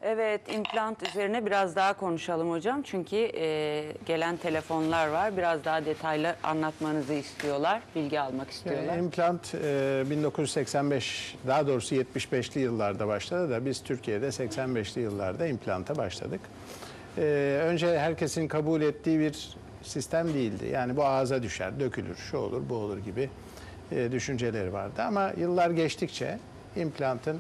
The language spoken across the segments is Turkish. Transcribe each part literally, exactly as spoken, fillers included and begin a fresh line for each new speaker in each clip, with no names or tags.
Evet, implant üzerine biraz daha konuşalım hocam. Çünkü e, gelen telefonlar var. Biraz daha detaylı anlatmanızı istiyorlar, bilgi almak istiyorlar.
Yani implant e, bin dokuz yüz seksen beş, daha doğrusu yetmiş beşli yıllarda başladı da biz Türkiye'de seksen beşli yıllarda implanta başladık. E, önce herkesin kabul ettiği bir sistem değildi. Yani bu ağza düşer, dökülür, şu olur, bu olur gibi e, düşünceleri vardı. Ama yıllar geçtikçe implantın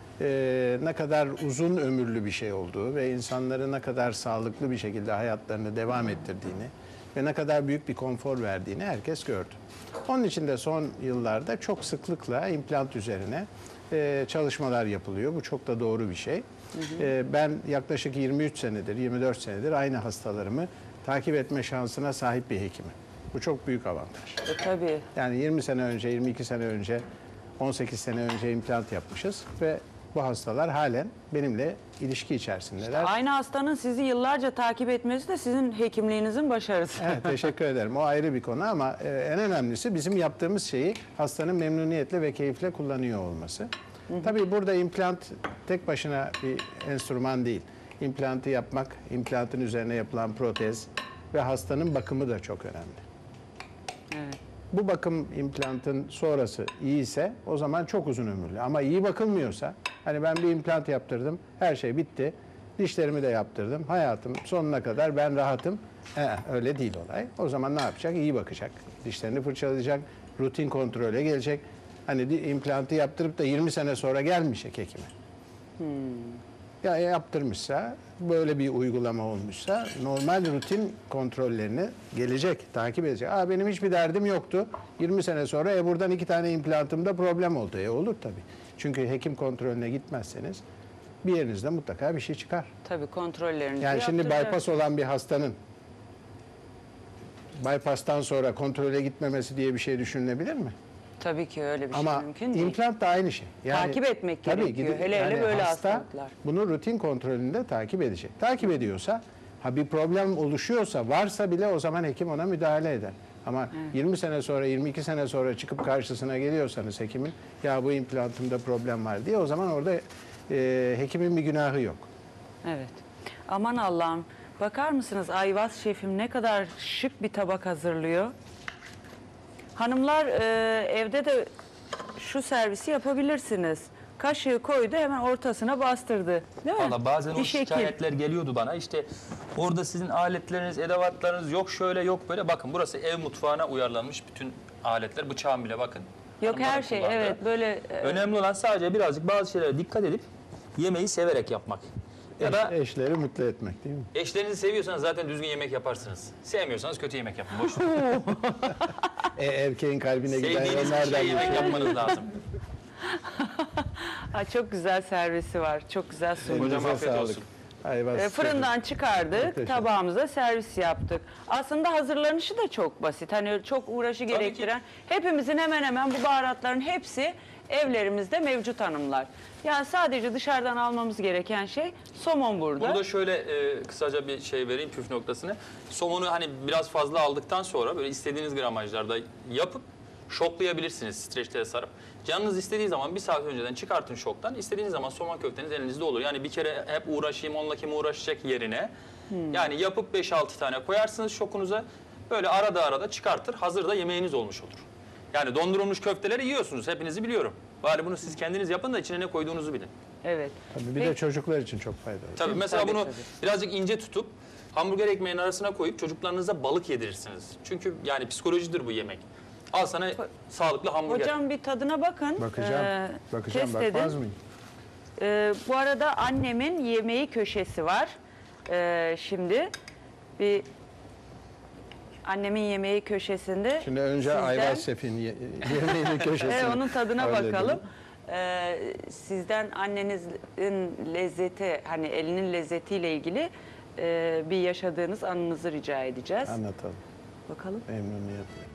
Ee, ne kadar uzun ömürlü bir şey olduğu ve insanları ne kadar sağlıklı bir şekilde hayatlarını devam ettirdiğini ve ne kadar büyük bir konfor verdiğini herkes gördü. Onun için de son yıllarda çok sıklıkla implant üzerine e, çalışmalar yapılıyor. Bu çok da doğru bir şey. Hı hı. E, ben yaklaşık yirmi üç senedir, yirmi dört senedir aynı hastalarımı takip etme şansına sahip bir hekimim. Bu çok büyük avantaj.
E, tabii.
Yani yirmi sene önce, yirmi iki sene önce, on sekiz sene önce implant yapmışız ve bu hastalar halen benimle ilişki içerisindeler.
İşte aynı hastanın sizi yıllarca takip etmesi de sizin hekimliğinizin başarısı.
Evet, teşekkür ederim. O ayrı bir konu ama e, en önemlisi bizim yaptığımız şeyi hastanın memnuniyetle ve keyifle kullanıyor olması. Hı hı. Tabii burada implant tek başına bir enstrüman değil. İmplantı yapmak, implantın üzerine yapılan protez ve hastanın bakımı da çok önemli.
Evet.
Bu bakım implantın sonrası iyi ise o zaman çok uzun ömürlü. Ama iyi bakılmıyorsa, hani ben bir implant yaptırdım, her şey bitti, dişlerimi de yaptırdım, hayatım sonuna kadar ben rahatım. Ee, öyle değil olay. O zaman ne yapacak? İyi bakacak, dişlerini fırçalayacak, rutin kontrole gelecek. Hani implantı yaptırıp da yirmi sene sonra gelmeyecek hekime. Hmm. Ya yaptırmışsa, böyle bir uygulama olmuşsa normal rutin kontrollerini gelecek, takip edecek. Aa, benim hiçbir derdim yoktu. yirmi sene sonra e, buradan iki tane implantımda problem oldu. E, olur tabii. Çünkü hekim kontrolüne gitmezseniz bir yerinizde mutlaka bir şey çıkar.
Tabii kontrollerinizi
Yani şimdi
yaptıracak.
bypass olan bir hastanın bypass'tan sonra kontrole gitmemesi diye bir şey düşünülebilir mi?
Tabii ki öyle bir
Ama
şey mümkün değil.
implant da aynı şey.
Yani, takip etmek
tabii,
gerekiyor.
gidip,
hele
yani
hele böyle
hasta
hastalıklar.
bunu rutin kontrolünde takip edecek. Takip ediyorsa, ha bir problem oluşuyorsa, varsa bile o zaman hekim ona müdahale eder. Ama evet. yirmi sene sonra, yirmi iki sene sonra çıkıp karşısına geliyorsanız hekimin, ya bu implantımda problem var diye, o zaman orada e, hekimin bir günahı yok.
Evet. Aman Allah'ım. Bakar mısınız Ayvaz şefim ne kadar şık bir tabak hazırlıyor. Hanımlar e, evde de şu servisi yapabilirsiniz. Kaşığı koydu, hemen ortasına bastırdı. Değil mi?
Valla bazen
bir
o şikayetler geliyordu bana. İşte orada sizin aletleriniz, edevatlarınız yok şöyle yok böyle. Bakın burası ev mutfağına uyarlanmış bütün aletler. Bıçağım bile bakın.
Yok her şey kullandı. Evet böyle. E...
Önemli olan sadece birazcık bazı şeylere dikkat edip yemeği severek yapmak. Ya
Eş,
da
eşleri mutlu etmek değil mi?
Eşlerinizi seviyorsanız zaten düzgün yemek yaparsınız. Sevmiyorsanız kötü yemek yapın. Boş
e, erkeğin kalbine giden
sevdiğiniz bir şey yemek yapmanız lazım.
Ha, çok güzel servisi var. Çok güzel sunum.
Hocam afiyet olsun.
E, fırından çıkardık, tabağımıza servis yaptık. Aslında hazırlanışı da çok basit. Hani çok uğraşı gerektiren, hepimizin hemen hemen bu baharatların hepsi evlerimizde mevcut hanımlar. Yani sadece dışarıdan almamız gereken şey somon burada.
Burada şöyle e, kısaca bir şey vereyim püf noktasını. Somonu hani biraz fazla aldıktan sonra böyle istediğiniz gramajlarda yapıp şoklayabilirsiniz streçlere sarıp. Canınız istediği zaman bir saat önceden çıkartın şoktan. İstediğiniz zaman somon köfteniz elinizde olur. Yani bir kere hep uğraşayım onunla kim uğraşacak yerine. Hmm. Yani yapıp beş altı tane koyarsınız şokunuza. Böyle arada arada çıkartır. Hazır da yemeğiniz olmuş olur. Yani dondurulmuş köfteleri yiyorsunuz. Hepinizi biliyorum. Bari bunu siz kendiniz yapın da içine ne koyduğunuzu bilin.
Evet.
Tabii bir Peki. de çocuklar için çok faydalı.
Tabii mesela
tabii,
bunu
tabii.
birazcık ince tutup hamburger ekmeğinin arasına koyup çocuklarınıza balık yedirirsiniz. Çünkü yani psikolojidir bu yemek. Al sana Ho sağlıklı hamburger.
Hocam bir tadına bakın.
Bakacağım. Ee, Bakacağım. Bakmaz mıyım?
Ee, bu arada annemin yemeği köşesi var. Ee, şimdi bir annemin yemeği köşesinde.
Şimdi önce sizden... Ayvaz Şef'in yemeğinin köşesine.
Evet, onun tadına bakalım. Ee, sizden annenizin lezzeti, hani elinin lezzetiyle ilgili e, bir yaşadığınız anınızı rica edeceğiz.
Anlatalım.
Bakalım.
Memnuniyetle.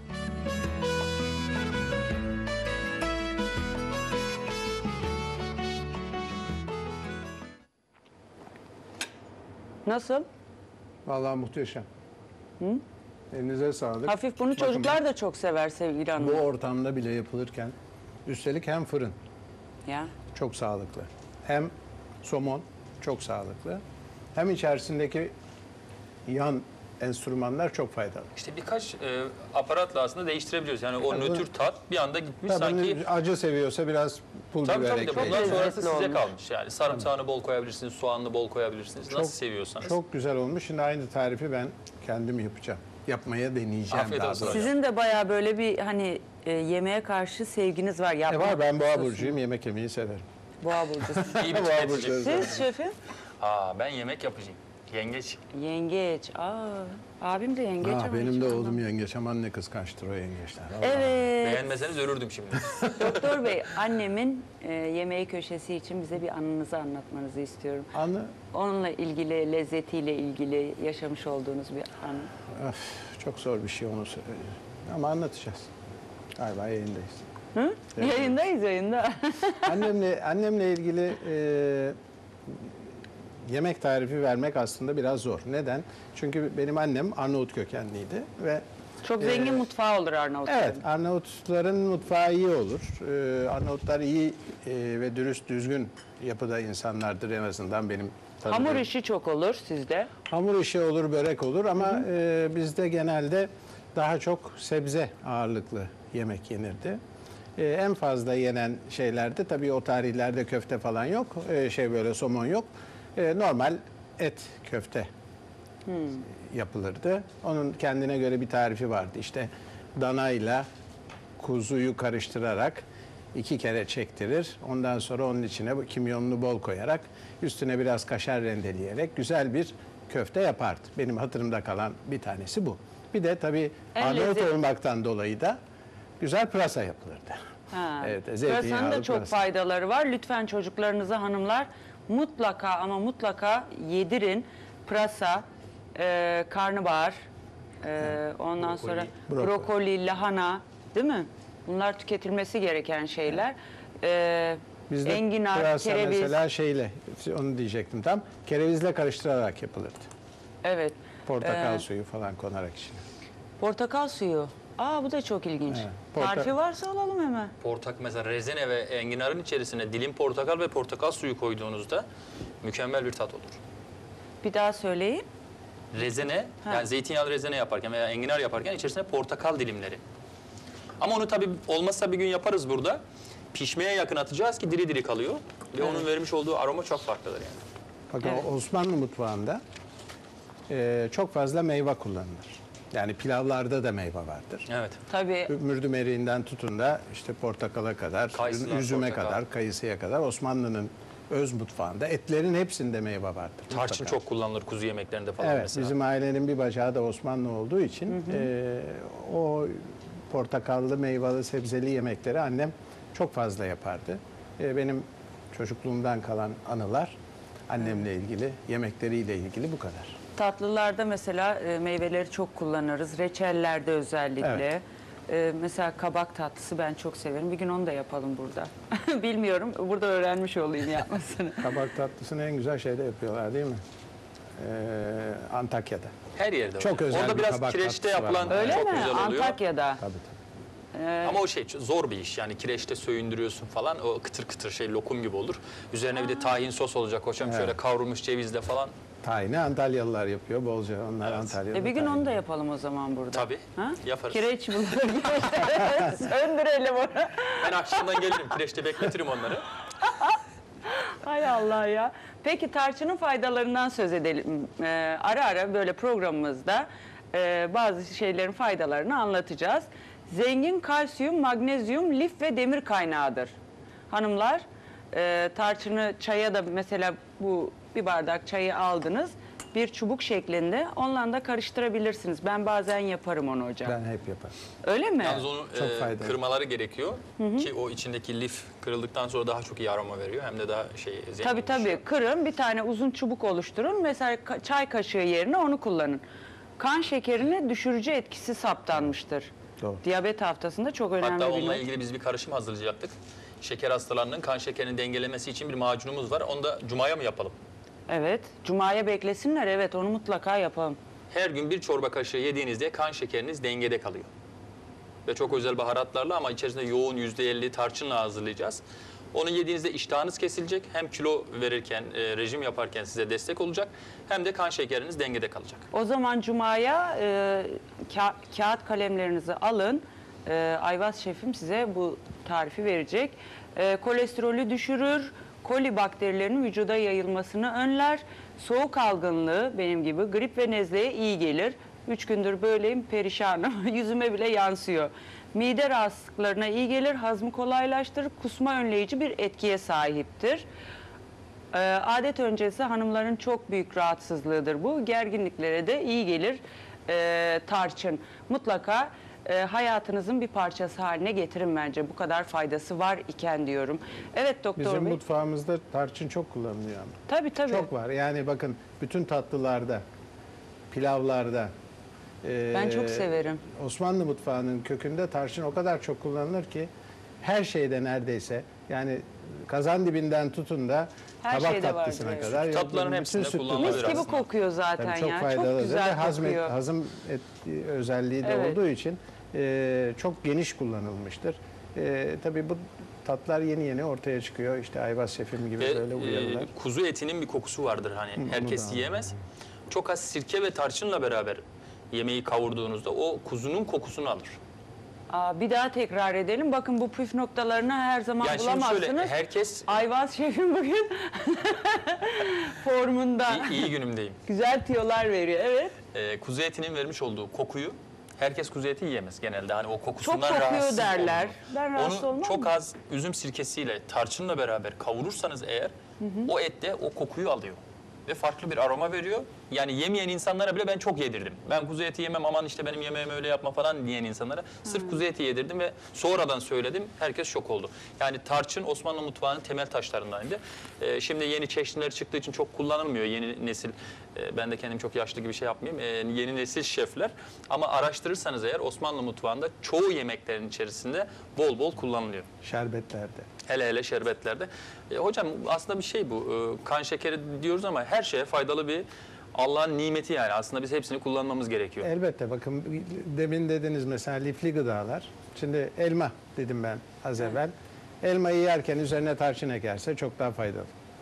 Nasıl?
Vallahi muhteşem. Hı? Elinize sağlık.
Hafif bunu
Bakın,
çocuklar da çok sever sevgili hanım.
Bu ortamda bile yapılırken üstelik hem fırın
ya.
çok sağlıklı. Hem somon çok sağlıklı. Hem içerisindeki yan enstrümanlar çok faydalı.
İşte birkaç e, aparatla aslında değiştirebiliyoruz. Yani o
Tabii.
nötr tat bir anda gitmiş
Tabii
sanki.
acı seviyorsa biraz pul
Tabii
biber
tabii de
ekleyin.
bundan sonrası
lezzetli
size
olmuş.
kalmış. Yani sarımsağını bol koyabilirsiniz, soğanını bol koyabilirsiniz.
Çok-
Nasıl seviyorsanız.
Çok güzel olmuş. Şimdi aynı tarifi ben kendim yapacağım. Yapmaya deneyeceğim
Afiyet
daha
olsun
doğrusu.
hocam.
Sizin de bayağı böyle bir hani e, yemeğe karşı sevginiz var.
E
Yapmak
var, ben boğa
istiyorsunuz.
burcuyum, yemek yemeyi severim.
Boğa burcusu.
İyi bir
Boğa
tüketici.
burcu.
Siz şefim?
Aa ben yemek yapacağım. Yengeç.
Yengeç. Aa, abim de yengeç
Ah,
ama
benim
hiç
de
anlamam.
oğlum yengeç, aman ne kıskançtır o yengeçler. Allah.
Evet.
Beğenmeseniz ölürdüm şimdi.
Doktor Bey, annemin e, yemeği köşesi için bize bir anınızı anlatmanızı istiyorum.
Anı,
Onunla ilgili, lezzetiyle ilgili yaşamış olduğunuz bir an.
öf, çok zor bir şey onu söyleyeyim. Ama anlatacağız. Galiba yayındayız.
Hı?
Evet.
Yayındayız, yayında.
Annemle annemle ilgili e, yemek tarifi vermek aslında biraz zor. Neden? Çünkü benim annem Arnavut kökenliydi ve
Çok zengin
Ee,
mutfağı olur Arnavutların.
evet, Arnavutların mutfağı iyi olur. Ee, Arnavutlar iyi e, ve dürüst, düzgün yapıda insanlardır en azından benim tanıdığım.
Hamur işi çok olur sizde.
Hamur işi olur, börek olur ama e, bizde genelde daha çok sebze ağırlıklı yemek yenirdi. E, en fazla yenen şeylerde tabii o tarihlerde köfte falan yok, e, şey böyle somon yok. E, normal et köfte yapılırdı. Onun kendine göre bir tarifi vardı. İşte danayla kuzuyu karıştırarak iki kere çektirir. Ondan sonra onun içine bu kimyonunu bol koyarak üstüne biraz kaşar rendeleyerek güzel bir köfte yapardı. Benim hatırımda kalan bir tanesi bu. Bir de tabii
En
Arnavut
lezzet-
olmaktan dolayı da güzel pırasa yapılırdı.
Ha.
Evet,
Pırasanın
zeytinyağlı
da çok
pırasa.
faydaları var. Lütfen çocuklarınıza hanımlar mutlaka ama mutlaka yedirin. Pırasa, e, karnabahar, e, ondan
Brokoli.
sonra
Brokoli.
brokoli, lahana, değil mi? Bunlar tüketilmesi gereken şeyler. E,
Bizde
enginar,
pırasa
kereviz.
mesela şeyle, onu diyecektim tam, kerevizle karıştırarak yapılırdı.
Evet.
Portakal
Ee,
suyu falan konarak içine.
Portakal suyu. Aa, bu da çok ilginç.
Evet, porta-
Tarifi varsa alalım hemen.
Portak mesela rezene ve enginarın içerisine dilim portakal ve portakal suyu koyduğunuzda mükemmel bir tat olur.
Bir daha söyleyin.
Rezene,
Ha.
yani zeytinyağlı rezene yaparken veya enginar yaparken içerisine portakal dilimleri. Ama onu tabii olmazsa bir gün yaparız burada. Pişmeye yakın atacağız ki diri diri kalıyor. Ve onun vermiş olduğu aroma çok farklıdır yani.
Bakın
Evet.
Osmanlı mutfağında e, çok fazla meyve kullanılır. Yani pilavlarda da meyve vardır.
Evet.
Tabii.
Mürdüm eriğinden tutun da işte portakala kadar,
Kayısıdan
üzüme
portakal.
kadar, kayısıya kadar Osmanlı'nın öz mutfağında etlerin hepsinde meyve vardır.
Tarçın
mutlaka.
çok kullanılır kuzu yemeklerinde falan
Evet,
mesela.
bizim ailenin bir bacağı da Osmanlı olduğu için e, o portakallı, meyveli, sebzeli yemekleri annem çok fazla yapardı. E, benim çocukluğumdan kalan anılar annemle ilgili, yemekleriyle ilgili bu kadar.
Tatlılarda mesela e, meyveleri çok kullanırız. Reçellerde özellikle.
Evet.
E, mesela kabak tatlısı ben çok severim. Bir gün onu da yapalım burada. Bilmiyorum. Burada öğrenmiş olayım yapmasını.
Kabak tatlısını en güzel şeyde yapıyorlar değil mi? E, Antakya'da.
Her yerde
Çok
var.
özel
Orada
bir
biraz
kabak
kireçte
tatlısı var.
yapılan
Öyle
çok
mi?
güzel oluyor.
Antakya'da.
Tabii tabii.
Ama o şey zor bir iş yani kireçte söğündürüyorsun falan o kıtır kıtır şey lokum gibi olur. Üzerine bir de tahin sos olacak hocam
Evet.
şöyle kavrulmuş cevizle falan.
Tayini Antalyalılar yapıyor bolca. Onlar
Evet.
Antalya'da.
E bir gün
tayin.
onu da yapalım o zaman burada.
Tabii,
Ha?
yaparız.
Kireç bunları. Söndürelim onu.
Ben akşamdan gelirim kireçte bekletirim onları.
Hay Allah ya. Peki tarçının faydalarından söz edelim. Ee, ara ara böyle programımızda e, bazı şeylerin faydalarını anlatacağız. Zengin kalsiyum, magnezyum, lif ve demir kaynağıdır. Hanımlar e, tarçını çaya da mesela bu bir bardak çayı aldınız. Bir çubuk şeklinde onunla da karıştırabilirsiniz. Ben bazen yaparım onu hocam.
Ben hep yaparım.
Öyle mi?
Yalnız onu
Çok
e,
faydalı.
kırmaları gerekiyor ki o içindeki lif kırıldıktan sonra daha çok iyi aroma veriyor hem de daha şey zengin
Tabii
oluşuyor.
tabii. Kırın, bir tane uzun çubuk oluşturun. Mesela ka- çay kaşığı yerine onu kullanın. Kan şekerini düşürücü etkisi saptanmıştır.
Doğru.
Diyabet haftasında çok önemli
Hatta
bir
onunla
not.
ilgili biz bir karışım hazırlayacaktık. Şeker hastalarının kan şekerini dengelemesi için bir macunumuz var. Onu da cumaya mı yapalım?
Evet. Cuma'ya beklesinler. Evet, onu mutlaka yapalım.
Her gün bir çorba kaşığı yediğinizde kan şekeriniz dengede kalıyor. Ve çok özel baharatlarla ama içerisinde yoğun yüzde elli tarçınla hazırlayacağız. Onu yediğinizde iştahınız kesilecek. Hem kilo verirken, e, rejim yaparken size destek olacak. Hem de kan şekeriniz dengede kalacak.
O zaman Cuma'ya e, ka kağıt kalemlerinizi alın. E, Ayvaz şefim size bu tarifi verecek. E, kolesterolü düşürür, koli bakterilerinin vücuda yayılmasını önler. Soğuk algınlığı benim gibi grip ve nezleye iyi gelir. Üç gündür böyleyim, perişanım. Yüzüme bile yansıyor. Mide rahatsızlıklarına iyi gelir, hazmı kolaylaştırır, kusma önleyici bir etkiye sahiptir. Ee, adet öncesi hanımların çok büyük rahatsızlığıdır bu. Gerginliklere de iyi gelir ee, tarçın. Mutlaka e, hayatınızın bir parçası haline getirin bence. Bu kadar faydası var iken diyorum. Evet doktor
Bizim
bey.
mutfağımızda tarçın çok kullanılıyor ama.
Tabii tabii.
Çok var. Yani bakın bütün tatlılarda, pilavlarda. e,
Ben çok severim.
Osmanlı mutfağının kökünde tarçın o kadar çok kullanılır ki her şeyde neredeyse, yani kazan dibinden tutun da
Her
tabak
şeyde var,
tatlısına
evet.
kadar.
Tatlıların
bütün
hepsinde
sütlü
kullanılabilir
Mis gibi
aslında.
kokuyor zaten
Tabii çok
ya.
faydalıdır
Çok
ve
güzel
hazm,
kokuyor.
hazım et, özelliği de
Evet.
olduğu için e, çok geniş kullanılmıştır. E, tabii bu tatlar yeni yeni ortaya çıkıyor. İşte Ayvaz şefim gibi
Ve
böyle uyarılar.
e, kuzu etinin bir kokusu vardır hani.
onu
Herkes
da
yiyemez. Çok az sirke ve tarçınla beraber yemeği kavurduğunuzda o kuzunun kokusunu alır.
Aa, bir daha tekrar edelim. Bakın bu püf noktalarını her zaman
Yani şimdi
bulamazsınız.
şöyle herkes
Ayvaz şefim bugün formunda.
iyi, iyi günümdeyim.
Güzel tiyolar veriyor. Evet.
E, kuzu etinin vermiş olduğu kokuyu herkes kuzu eti yiyemez genelde. Hani o kokusundan
Çok kokuyor
rahatsız
derler.
olunur.
Ben rahatsız
Onu
olmam
çok
mı?
az üzüm sirkesiyle tarçınla beraber kavurursanız eğer o et de o kokuyu alıyor. Ve farklı bir aroma veriyor. Yani yemeyen insanlara bile ben çok yedirdim. Ben kuzu eti yemem, aman işte benim yemeğimi öyle yapma falan diyen insanlara sırf kuzu eti yedirdim ve sonradan söyledim. Herkes şok oldu. Yani tarçın Osmanlı mutfağının temel taşlarındandı. Ee, şimdi yeni çeşniler çıktığı için çok kullanılmıyor. Yeni nesil, e, ben de kendim çok yaşlı gibi şey yapmayayım. E, yeni nesil şefler. Ama araştırırsanız eğer Osmanlı mutfağında çoğu yemeklerin içerisinde bol bol kullanılıyor.
Şerbetlerde.
Hele hele şerbetlerde. E, hocam aslında bir şey bu. E, kan şekeri diyoruz ama her şeye faydalı bir Allah'ın nimeti yani. Aslında biz hepsini kullanmamız gerekiyor.
Elbette bakın demin dediniz mesela lifli gıdalar. Şimdi elma dedim ben az evvel. Elmayı yerken üzerine tarçın ekerse çok daha faydalı.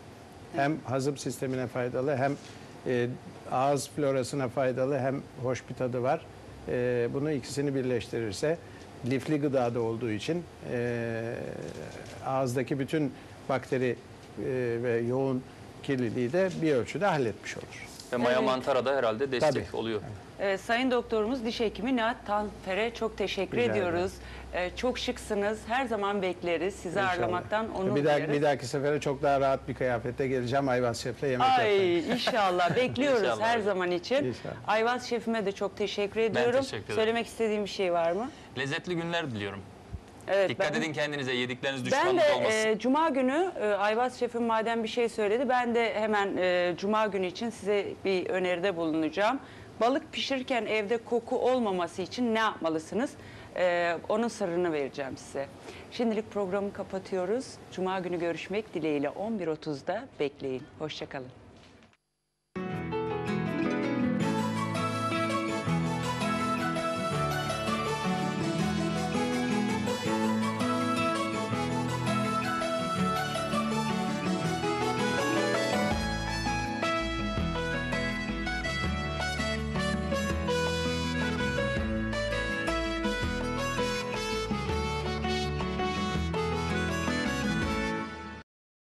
Hem hazım sistemine faydalı, hem e, ağız florasına faydalı, hem hoş bir tadı var. E, bunu ikisini birleştirirse lifli gıdada olduğu için e, ağızdaki bütün bakteri e, ve yoğun kirliliği de bir ölçüde halletmiş olur.
Ve maya
Evet.
mantara da herhalde destek
Tabii.
oluyor.
Evet, Sayın Doktorumuz Diş Hekimi Nihat Tanfer'e çok teşekkür
Rica
ediyoruz. Ee, çok şıksınız. Her zaman bekleriz. Sizi
İnşallah.
ağırlamaktan onur
bir, dahaki,
duyarız.
bir dahaki sefere çok daha rahat bir kıyafette geleceğim. Ayvaz Şef'le yemek yapmaya.
Ay inşallah bekliyoruz
İnşallah
her
hocam.
zaman için.
İnşallah.
Ayvaz şefime de çok teşekkür ediyorum.
teşekkür ederim.
Söylemek istediğim bir şey var mı?
Lezzetli günler diliyorum.
Evet.
Dikkat
ben-
edin kendinize, yedikleriniz
Ben
düşmanlık
de
olmasın.
e, Cuma günü e, Ayvaz şefim madem bir şey söyledi, ben de hemen e, Cuma günü için size bir öneride bulunacağım. Balık pişirirken evde koku olmaması için ne yapmalısınız? E, onun sırrını vereceğim size. Şimdilik programı kapatıyoruz. Cuma günü görüşmek dileğiyle on bir otuzda bekleyin. Hoşça kalın.